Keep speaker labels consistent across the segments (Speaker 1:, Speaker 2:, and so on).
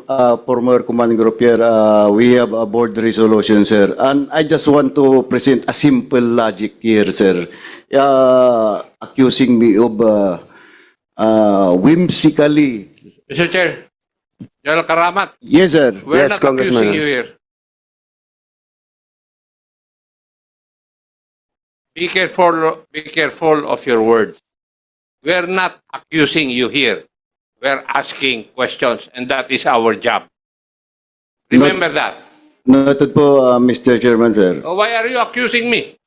Speaker 1: former command group here, we have a board resolution, sir. And I just want to present a simple logic here, sir. Accusing me of whimsically.
Speaker 2: Mr. Chair, General Karamat,
Speaker 1: Yes, sir.
Speaker 2: we're
Speaker 3: Yes,
Speaker 2: not
Speaker 3: Congressman.
Speaker 2: accusing you here. Be careful of your words. We're not accusing you here. We're asking questions, and that is our job. Remember that.
Speaker 1: Noted po, Mr. Chairman, sir.
Speaker 2: Oh, why are you accusing me?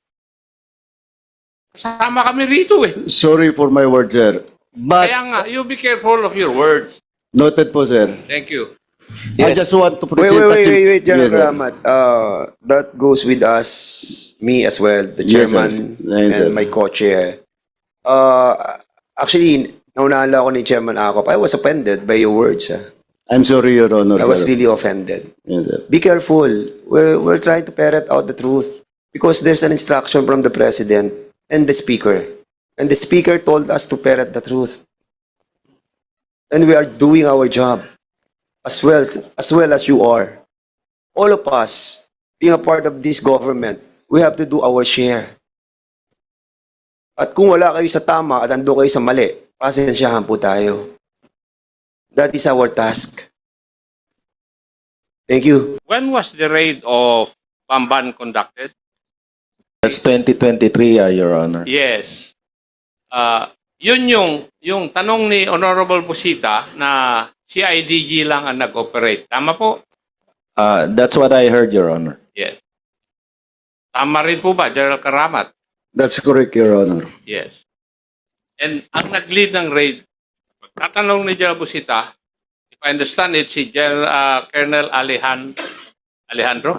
Speaker 2: Kasama kami rito eh.
Speaker 1: Sorry for my words, sir. But
Speaker 2: Kaya nga, you be careful of your words.
Speaker 1: noted po, sir.
Speaker 2: Thank you.
Speaker 1: I just want to present a
Speaker 3: Wait, General
Speaker 1: Yes, sir.
Speaker 3: Ramat. That goes with us, me as well, the
Speaker 1: Yes, sir.
Speaker 3: chairman
Speaker 1: Yes, sir.
Speaker 3: and my co-chair. Actually, naunahan lang ako ni Chairman Akop. I was offended by your words.
Speaker 1: I'm sorry, Your Honor,
Speaker 3: I was
Speaker 1: sir.
Speaker 3: really offended.
Speaker 1: Yes, sir.
Speaker 3: Be careful. We're trying to ferret out the truth because there's an instruction from the President and the Speaker. And the Speaker told us to ferret the truth. And we are doing our job as well as you are. All of us, being a part of this government, we have to do our share. At kung wala kayo sa tama at ando kayo sa mali, pasensyahan po tayo. That is our task. Thank you.
Speaker 2: When was the raid of Bamban conducted?
Speaker 4: That's 2023, Your Honor.
Speaker 2: Yes. Yun yung tanong ni Honorable Busita na CIDG lang ang nag-operate. Tama po?
Speaker 4: That's what I heard, Your Honor.
Speaker 2: Yes. Tama rin po ba, General Karamat?
Speaker 1: That's correct, Your Honor.
Speaker 2: Yes. And ang nag-lead ng raid, pagtatanong ni General Busita, if I understand it, si Colonel Alejandro?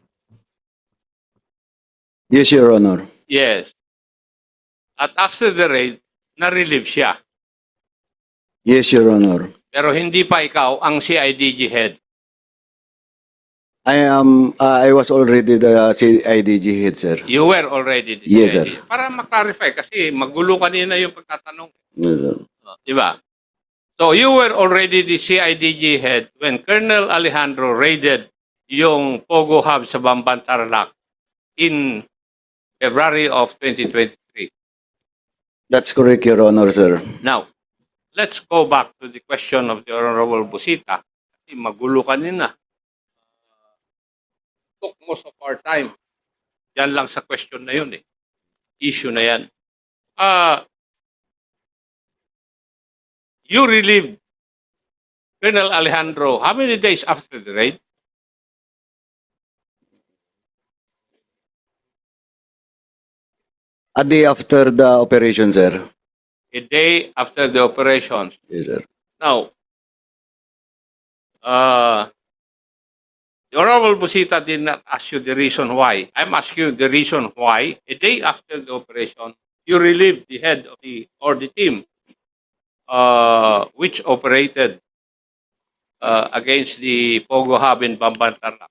Speaker 1: Yes, Your Honor.
Speaker 2: Yes. At after the raid, na-relieve siya.
Speaker 1: Yes, Your Honor.
Speaker 2: Pero hindi pa ikaw ang CIDG head.
Speaker 1: I was already the CIDG head, sir.
Speaker 2: You were already the
Speaker 1: Yes,
Speaker 2: CIDG. Para maklarify kasi magulo kanina yung pagtatanong.
Speaker 1: Yes, sir.
Speaker 2: Di ba? So you were already the CIDG head when Colonel Alejandro raided yung Pogo Hub sa Bamban Tarlac in February of 2023.
Speaker 1: That's correct, Your Honor, sir.
Speaker 2: Now, let's go back to the question of the Honorable Busita. Kasi magulo kanina. Took most of our time. Yan lang sa question na yun eh. Issue na yan. You relieved Colonel Alejandro how many days after the raid?
Speaker 1: A day after the operation, sir.
Speaker 2: A day after the operations.
Speaker 1: Yes, sir.
Speaker 2: Now, the Honorable Busita did not ask you the reason why. I'm asking you the reason why a day after the operation, you relieved the head of the team which operated against the Pogo Hub in Bamban Tarlac.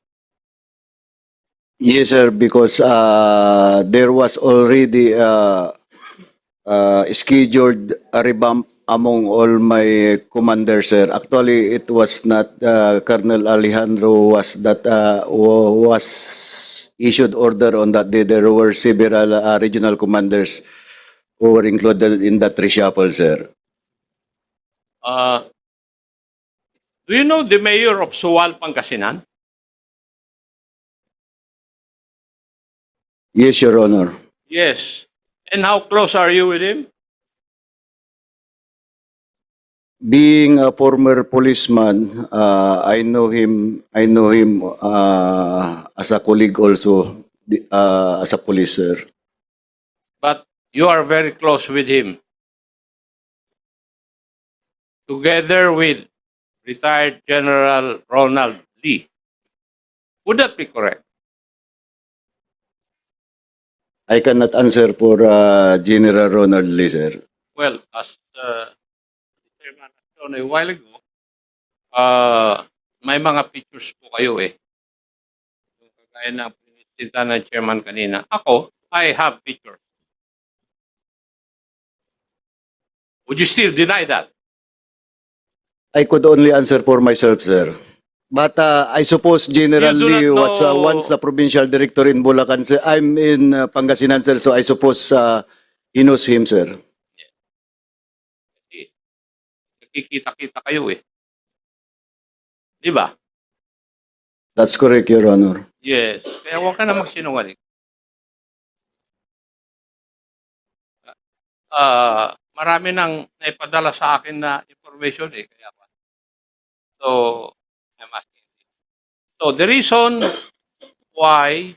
Speaker 1: Yes, sir, because there was already scheduled a revamp among all my commanders, sir. Actually, it was not Colonel Alejandro was issued order on that day. There were several regional commanders who were included in that reshuffle, sir.
Speaker 2: Do you know the mayor of Suwal, Pangasinan?
Speaker 1: Yes, Your Honor.
Speaker 2: Yes. And how close are you with him?
Speaker 1: Being a former policeman, I know him. I know him as a colleague also, as a police, sir.
Speaker 2: But you are very close with him. Together with retired General Ronald Lee. Would that be correct?
Speaker 1: I cannot answer for General Ronald Lee, sir.
Speaker 2: Well, as Chairman shown a while ago, may mga pictures po kayo eh. Yung kagaya ng pinisita ng Chairman kanina. Ako, I have pictures. Would you still deny that?
Speaker 1: I could only answer for myself, sir. But I suppose generally
Speaker 2: You do not
Speaker 1: was
Speaker 2: know-
Speaker 1: once the provincial director in Bulacan, sir. I'm in Pangasinan, sir, so I suppose he knows him, sir.
Speaker 2: Nakikita-kita kayo eh. Di ba?
Speaker 1: That's correct, Your Honor.
Speaker 2: Yes. Kaya huwag ka na magsinungaling. Marami nang naipadala sa akin na information eh. Kaya pa. So, I'm asking. So, the reason why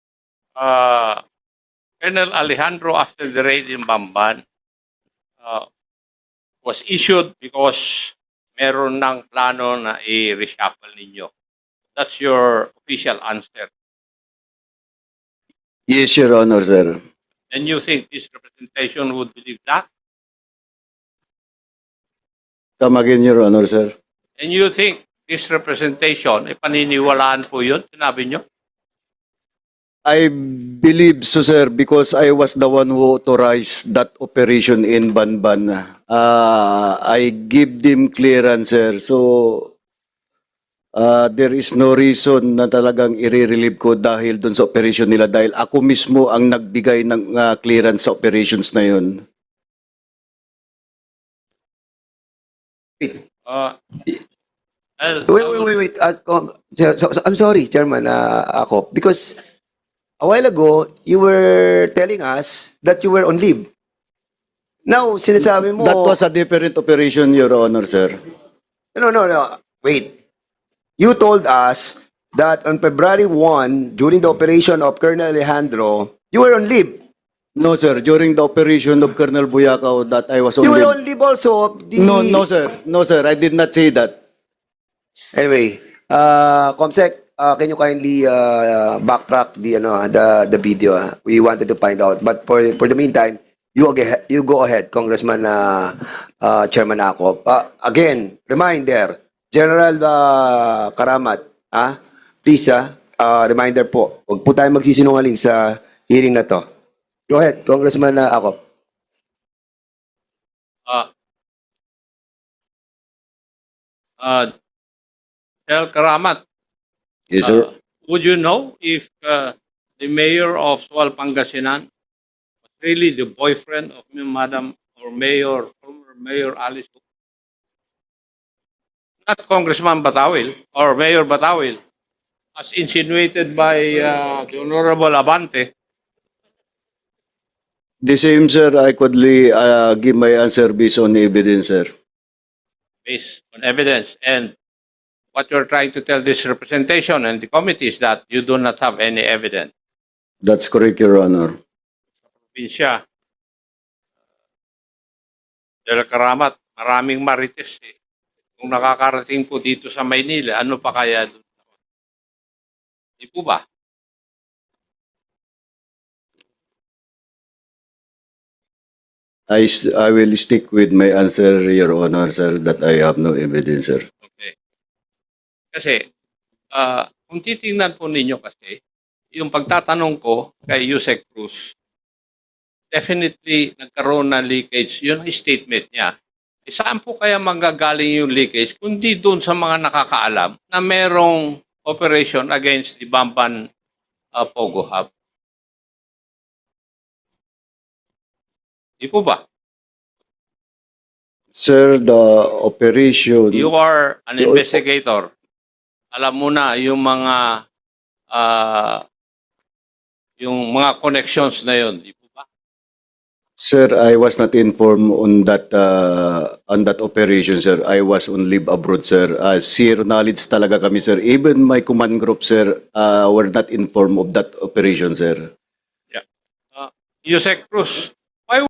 Speaker 2: Colonel Alejandro, after the raid in Bamban, was issued because meron ng plano na i-reshuffle ninyo. That's your official answer.
Speaker 1: Yes, Your Honor, sir.
Speaker 2: And you think this representation would believe that?
Speaker 1: Come again, Your Honor, sir.
Speaker 2: And you think this representation, paniniwalaan po yun? Sinabi nyo?
Speaker 1: I believe so, sir, because I was the one who authorized that operation in Banban. I give them clearance, sir. So, there is no reason na talagang i-relieve ko dahil dun sa operation nila dahil ako mismo ang nagbigay ng clearance sa operations na yun.
Speaker 3: Wait. I'm sorry, Chairman, ako. Because a while ago, you were telling us that you were on leave. Now, sinasabi mo...
Speaker 1: That was a different operation, Your Honor, sir.
Speaker 3: No. Wait. You told us that on February 1, during the operation of Colonel Alejandro, you were on leave.
Speaker 1: No, sir. During the operation of Colonel Buyakaw that I was on
Speaker 3: You were
Speaker 1: leave.
Speaker 3: on leave also.
Speaker 1: No, sir. No, sir. I did not say that.
Speaker 3: Anyway, Comsec, can you kindly backtrack the video? We wanted to find out. But for the meantime, you go ahead, Congressman Chairman Akop. Again, reminder, General Karamat, please, reminder po, huwag po tayo magsisinungaling sa hearing na to. Go ahead, Congressman Akop.
Speaker 2: El Karamat,
Speaker 1: Yes, sir.
Speaker 2: would you know if the mayor of Sual Pangasinan was really the boyfriend of Madam or Mayor, former Mayor Alice? Not Congressman Batawil or Mayor Batawil, as insinuated by the Honorable Abante.
Speaker 1: The same, sir. I could give my answer based on evidence, sir.
Speaker 2: Based on evidence. And what you're trying to tell this representation and the committee is that you do not have any evidence.
Speaker 1: That's correct, Your Honor.
Speaker 2: Probinsya. Del Karamat, maraming marites eh. Kung nakakarating po dito sa Maynila, ano pa kaya doon? Di po ba?
Speaker 1: I will stick with my answer, Your Honor, sir, that I have no evidence, sir.
Speaker 2: Okay. Kasi, kung titingnan po ninyo kasi, yung pagtatanong ko kay Yusek Cruz, definitely nagkaroon ng leakage. Yun ang statement niya. E saan po kaya manggagaling yung leakage? Kundi doon sa mga nakakaalam na merong operation against the Bamban Pogo Hub. Di po ba?
Speaker 1: Sir, the operation...
Speaker 2: You are an investigator. Alam mo na yung mga connections na yun. Di po ba?
Speaker 1: Sir, I was not informed on that operation, sir. I was on leave abroad, sir. Zero knowledge talaga kami, sir. Even my command group, sir, were not informed of that operation, sir.
Speaker 2: Yusek Cruz,